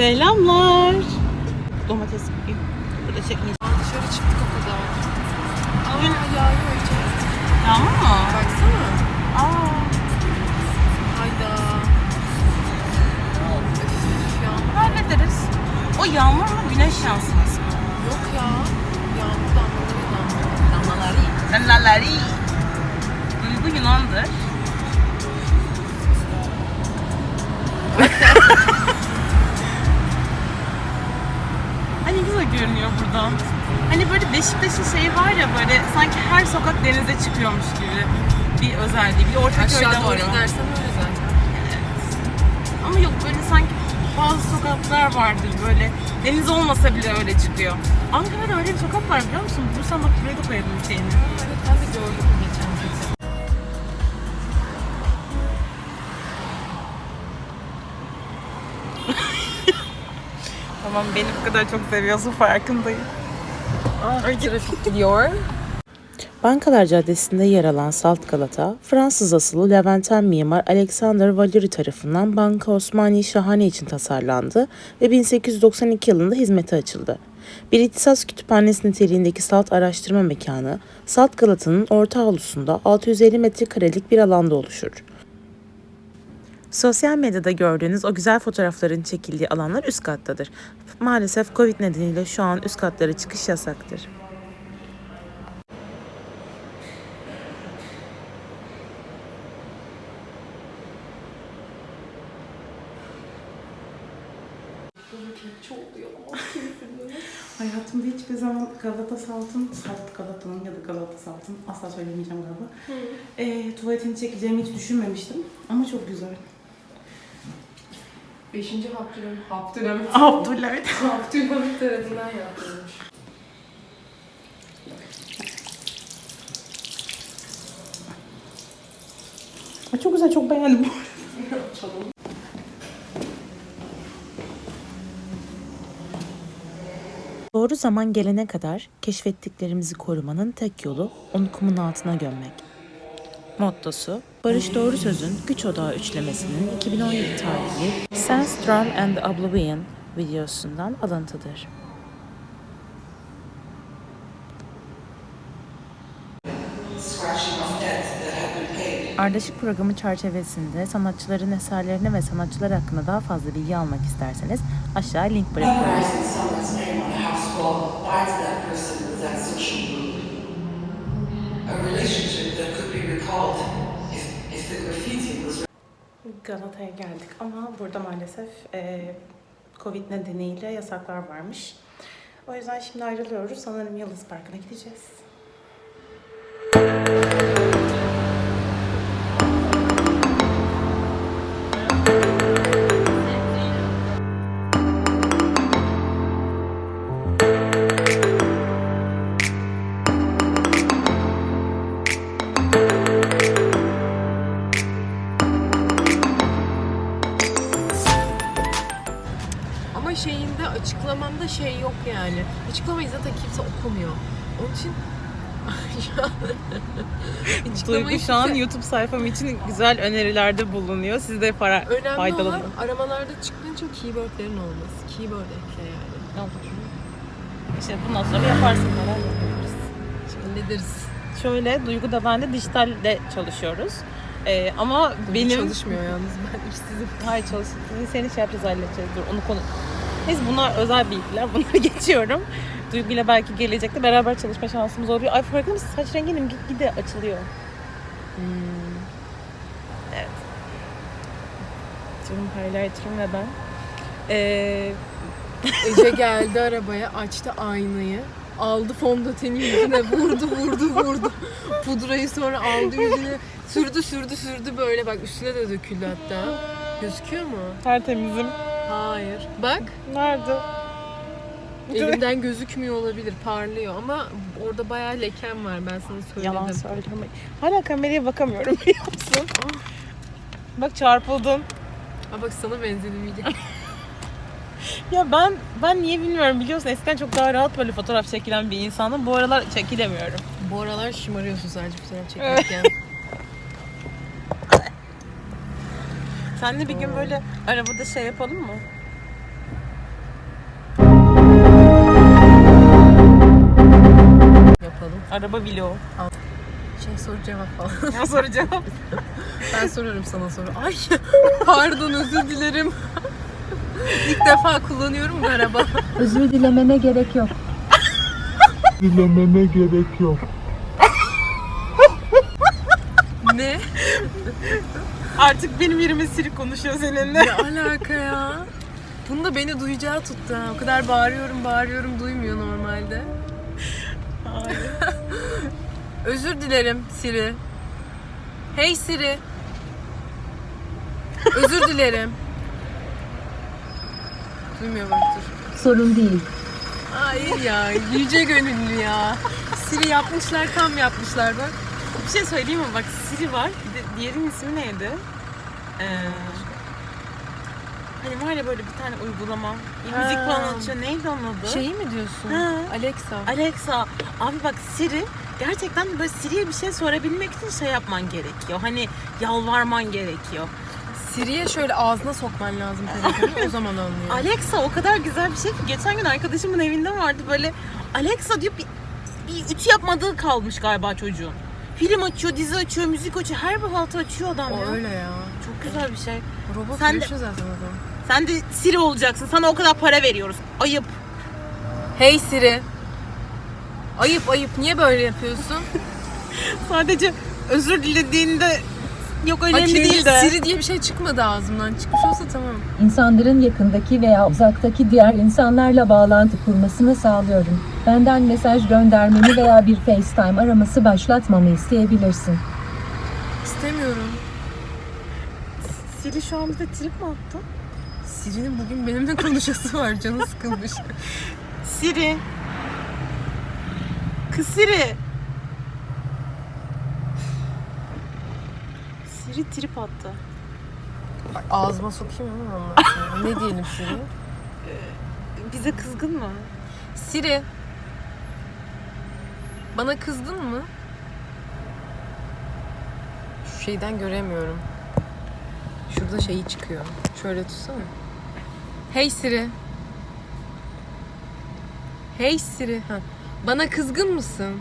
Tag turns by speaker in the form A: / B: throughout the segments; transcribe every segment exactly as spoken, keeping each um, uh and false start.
A: Selamlar. Domates burada çekmeyeceğim.
B: Dışarı çıktık o kadar. Aa yağıyor içeri.
A: Yağmur mu?
B: Baksana.
A: Aa.
B: Hayda. Öf, yağmur.
A: Hallederiz. O yağmur mu güneş yansıması mı?
B: Yok ya. Yağmur damlaları damlaları. Damlaları.
A: Damlaları. Duygu Yunan'dır. Hani güzel görünüyor buradan. Hani böyle Beşiktaş'ın şeyi var ya, böyle sanki her sokak denize çıkıyormuş gibi bir özelliği. Bir Ortaköy'de
B: Aşağı doğru
A: var.
B: inersen öyle zaten.
A: Ama yok, böyle sanki bazı sokaklar vardır böyle deniz olmasa bile öyle çıkıyor. Ankara'da öyle bir sokak var, biliyor musun? Bulursan bak, buraya da koyalım şeyini.
B: Evet, ben de gördüm geçen gece.
A: Tamam, beni bu kadar çok seviyorsun, farkındayım.
B: Ah, trafik gidiyor.
C: Bankalar Caddesi'nde yer alan Salt Galata, Fransız asıllı Levanten mimar Alexander Valéry tarafından Banka Osmani Şahane için tasarlandı ve bin sekiz yüz doksan iki yılında hizmete açıldı. Bir ihtisas kütüphanesi niteliğindeki Salt araştırma mekanı, Salt Galata'nın orta avlusunda altı yüz elli metrekarelik bir alanda oluşur. Sosyal medyada gördüğünüz o güzel fotoğrafların çekildiği alanlar üst kattadır. Maalesef Covid nedeniyle şu an üst katlara çıkış yasaktır.
A: Hayatımda hiçbir zaman Galata Salt'ın, Salt Galata'nın ya da Galata Salt'ın, asla söylemeyeceğim galiba, e, tuvaletini çekeceğimi hiç düşünmemiştim. Ama çok güzel.
B: Beşinci Abdülhamit. Abdülhamit.
A: Abdülhamit.
B: Abdülhamit tarafından yapılmış.
A: Ay, çok güzel, çok beğendim bu arada.
B: Açalım.
C: Doğru zaman gelene kadar keşfettiklerimizi korumanın tek yolu onu kumun altına gömmek. Mottosu, Barış Doğru Söz'ün Güç Odağı üçlemesinin iki bin on yedi tarihli Sandstorm and the Oblivion videosundan alıntıdır. Ardışık programı çerçevesinde sanatçıların eserlerine ve sanatçılar hakkında daha fazla bilgi almak isterseniz aşağı link bırakıyorum.
A: Galata'ya geldik ama burada maalesef e, Covid nedeniyle yasaklar varmış. O yüzden şimdi ayrılıyoruz. Sanırım Yıldız Parkı'na gideceğiz.
B: Ama şeyinde, açıklamamda şey yok yani. Açıklamayı zaten kimse okumuyor. Onun için
A: Duygu şu an YouTube sayfam için güzel önerilerde bulunuyor. Siz de para
B: önemli
A: faydalanın.
B: olan aramalarda çıkınca keywordlerin olması. Keyword ekle yani.
A: İşte bundan sonra yaparsın, neler yapıyoruz.
B: Hallederiz.
A: Şöyle, Duygu da ben de dijitalde çalışıyoruz. Ee, ama benim...
B: Çalışmıyor yalnız, ben işsizim.
A: Hayır, çalışıyoruz. Seni şey yapacağız, halledeceğiz. Dur, onu konu... Neyse, bunlar özel bilgiler. Bunları geçiyorum. Duygu ile belki gelecekte beraber çalışma şansımız oluyor. Ay, farkında mısın? Saç renginin gitgide açılıyor. Hmm. Evet. Canım highlighter'ım ve ben. Ee...
B: Ece geldi arabaya, açtı aynayı. Aldı fondöteni yüzüne, vurdu vurdu vurdu. Pudrayı sonra aldı yüzüne, sürdü sürdü sürdü böyle, bak üstüne de döküldü hatta. Gözüküyor mu?
A: Tertemizim.
B: Hayır. Bak.
A: Nerede?
B: Elimden gözükmüyor olabilir, parlıyor ama orada bayağı leken var, ben sana söyledim.
A: Yalan söyleme. Hala kameraya bakamıyorum, biliyor musun? Bak, çarpıldın.
B: Aa, bak sana benzedim iyice.
A: Ya ben ben niye bilmiyorum, biliyorsun, eskiden çok daha rahat böyle fotoğraf çekilen bir insanım. Bu aralar çekilemiyorum.
B: Bu aralar şımarıyorsun sadece fotoğraf çekerken.
A: Seninle bir gün böyle arabada şey yapalım mı? araba vlogu.
B: Şey soru cevap falan.
A: Ya soru cevap.
B: Ben sorarım sana soru. Ay pardon özür dilerim. İlk defa kullanıyorum bu araba.
D: Özür dilemene gerek yok.
E: Dilemene gerek yok.
B: Ne?
A: Artık benim yerime Siri konuşuyor seninle.
B: Ne alaka ya? Bunu da beni duyacağı tuttu ha. O kadar bağırıyorum bağırıyorum duymuyor normalde.
A: Hayır.
B: Özür dilerim Siri. Hey Siri. Özür dilerim. Duymuyor bak dur.
D: Sorun değil.
B: Hayır ya yüce gönüllü ya. Siri yapmışlar tam yapmışlar bak.
A: Bir şey söyleyeyim mi? Bak Siri var. Bir de diğerinin ismi neydi? Ee, hani var ya böyle bir tane uygulama. Bir müzik
B: Ha.
A: falan açıyor. Neydi onun adı?
B: Şeyi mi diyorsun?
A: Ha.
B: Alexa.
A: Alexa. Abi bak Siri gerçekten böyle Siri'ye bir şey sorabilmek için şey yapman gerekiyor. Hani yalvarman gerekiyor.
B: Siri'ye şöyle ağzına sokman lazım telefonu o zaman anlıyor.
A: Alexa o kadar güzel bir şey ki geçen gün arkadaşımın evinde vardı böyle Alexa diyor bir, bir ütü yapmadığı kalmış galiba çocuğun. Film açıyor, dizi açıyor, müzik açıyor. Her bir haltı açıyor adam
B: O
A: ya.
B: öyle ya.
A: Çok güzel bir şey.
B: Robot
A: Sen de-
B: yaşıyor zaten adam.
A: Sen de Siri olacaksın. Sana o kadar para veriyoruz. Ayıp.
B: Hey Siri. Ayıp ayıp niye böyle yapıyorsun?
A: Sadece özür dilediğinde yok önemli
B: Bak,
A: değil de.
B: Siri diye bir şey çıkmadı ağzımdan. Çıkmış olsa tamam.
D: İnsanların yakındaki veya uzaktaki diğer insanlarla bağlantı kurmasını sağlıyorum. Benden mesaj göndermeni veya bir FaceTime araması başlatmamı isteyebilirsin.
B: İstemiyorum.
A: Siri şu an bize trip mi attı?
B: Siri'nin bugün benimle konuşası var. Canı sıkılmış.
A: Siri. Kız Siri. Siri trip attı.
B: Bak, ağzıma sokayım ama ondan sonra. Ne diyelim Siri?
A: Bize kızgın mı?
B: Siri. Bana kızdın mı? Şu şeyden göremiyorum. Şurada şeyi çıkıyor. Şöyle tutsana. Hey Siri. Hey Siri. Ha. Bana kızgın mısın?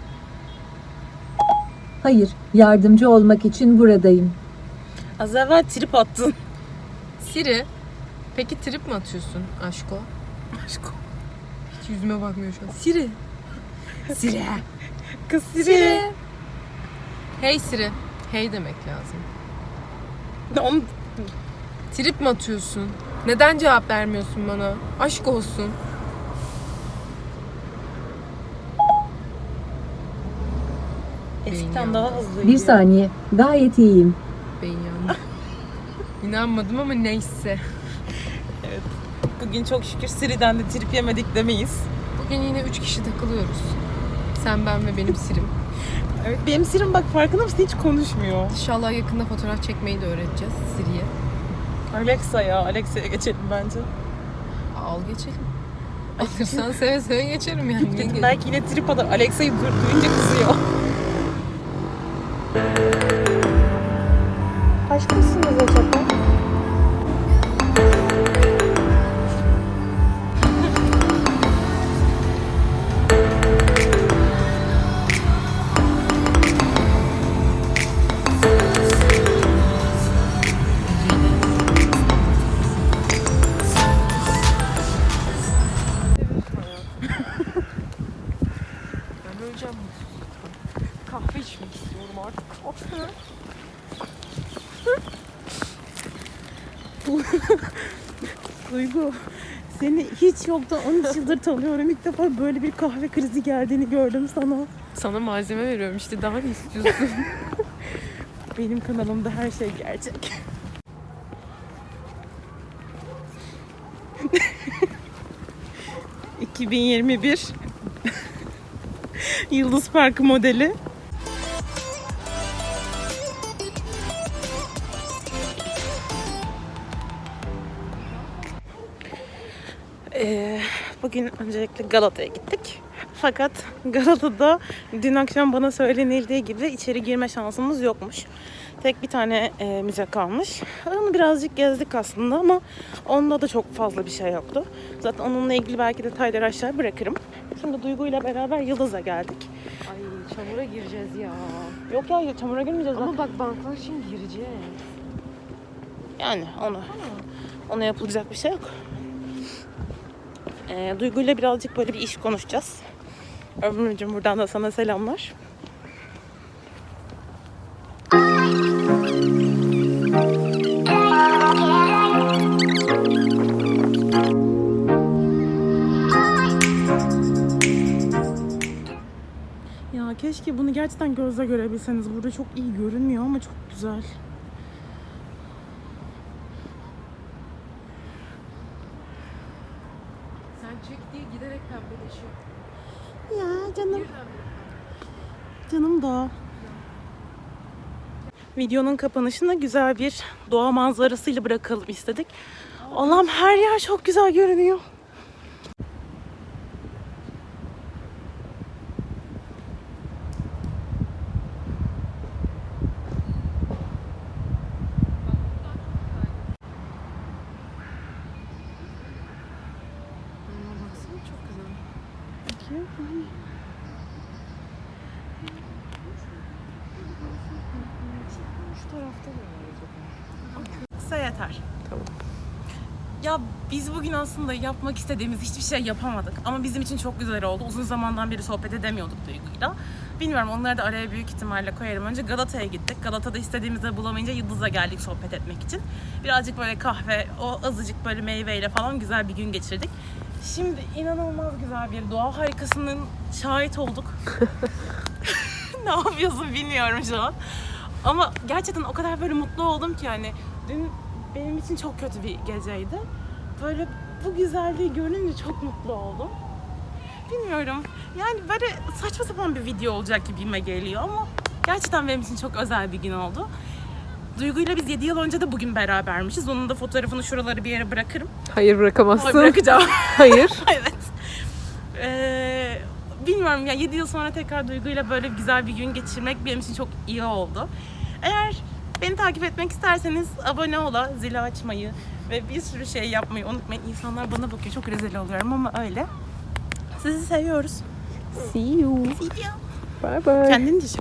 D: Hayır, yardımcı olmak için buradayım.
A: Az evvel trip attın.
B: Siri. Peki trip mi atıyorsun aşko?
A: Aşkım.
B: Hiç yüzüme bakmıyor şu an. Siri. Siri.
A: Kız Siri.
B: Siri. Hey Siri. Hey demek lazım.
A: Onu...
B: Trip mi atıyorsun? Neden cevap vermiyorsun bana? Aşk olsun.
A: Eskiden daha hızlıydı.
D: Bir saniye, gayet iyiyim.
B: Ben yandım. İnanmadım ama neyse.
A: Bugün çok şükür Siri'den de trip yemedik demeyiz.
B: Bugün yine üç kişi takılıyoruz. Sen, ben ve benim Siri'm.
A: Evet, benim Siri'm bak farkında mısın hiç konuşmuyor.
B: İnşallah yakında fotoğraf çekmeyi de öğreteceğiz Siri'ye.
A: Alexa ya, Alexa'ya geçelim bence.
B: Al geçelim. Alırsan seve seve geçerim yani. Niye geçelim?
A: Belki yine trip atar. Alexa'yı dur- duyunca kızıyor. Aşk mısınız acaba?
B: Ben öleceğim.
A: Kahve içmek istiyorum artık. Duygu, seni hiç yoktan on üç yıldır tanıyorum. İlk defa böyle bir kahve krizi geldiğini gördüm sana.
B: Sana malzeme veriyorum işte daha ne istiyorsun?
A: Benim kanalımda her şey gerçek. iki bin yirmi bir Yıldız Parkı modeli. Ee, bugün öncelikle Galata'ya gittik. Fakat Galata'da dün akşam bana söylenildiği gibi içeri girme şansımız yokmuş. Tek bir tane e, müze kalmış. Onu birazcık gezdik aslında ama onda da çok fazla bir şey yoktu. Zaten onunla ilgili belki detayları aşağı bırakırım. Şimdi Duygu ile beraber Yıldız'a geldik.
B: Ay çamura gireceğiz ya.
A: Yok ya çamura girmeyeceğiz.
B: Ama bak banklar için gireceğiz.
A: Yani ona, ona yapılacak bir şey yok. Ee, Duygu'yla birazcık böyle bir iş konuşacağız. Ömrümcüğüm buradan da sana selamlar. Ya keşke bunu gerçekten gözle görebilseniz. Burada çok iyi görünmüyor ama çok güzel.
B: Sen çek diye giderek pembeleşiyor.
A: Ya canım. Canım da. Videonun kapanışında güzel bir doğa manzarasıyla bırakalım istedik. Allah'ım her yer çok güzel görünüyor.
B: Baksana çok güzel. Şu tarafta da var.
A: Kısa yeter. Tamam. Ya biz bugün aslında yapmak istediğimiz hiçbir şey yapamadık. Ama bizim için çok güzel oldu. Uzun zamandan beri sohbet edemiyorduk Duygu'yla. Bilmiyorum, onları da araya büyük ihtimalle koyarım. Önce Galata'ya gittik. Galata'da istediğimizde bulamayınca Yıldız'a geldik sohbet etmek için. Birazcık böyle kahve, o azıcık böyle meyveyle falan güzel bir gün geçirdik. Şimdi inanılmaz güzel bir doğa harikasının şahit olduk. Ne yapıyorsun bilmiyorum şu an. Ama gerçekten o kadar böyle mutlu oldum ki hani dün benim için çok kötü bir geceydi. Böyle bu güzelliği görünce çok mutlu oldum. Bilmiyorum. Yani böyle saçma sapan bir video olacak gibime geliyor ama gerçekten benim için çok özel bir gün oldu. Duygu'yla biz yedi yıl önce de bugün berabermişiz. Onun da fotoğrafını şuraları bir yere bırakırım.
B: Hayır bırakamazsın.
A: Ay, bırakacağım.
B: Hayır.
A: Evet. Ee, bilmiyorum ya, yedi yıl sonra tekrar Duygu'yla böyle güzel bir gün geçirmek benim için çok iyi oldu. Eğer beni takip etmek isterseniz abone ola, zili açmayı ve bir sürü şey yapmayı unutmayın. İnsanlar bana bakıyor, çok rezil oluyorum ama öyle. Sizi seviyoruz.
B: See you.
A: See you.
B: Bye bye.
A: Kendini de çek.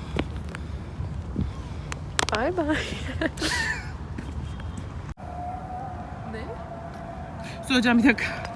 B: Bye bye. Ne?
A: Söyleyeceğim bir dakika.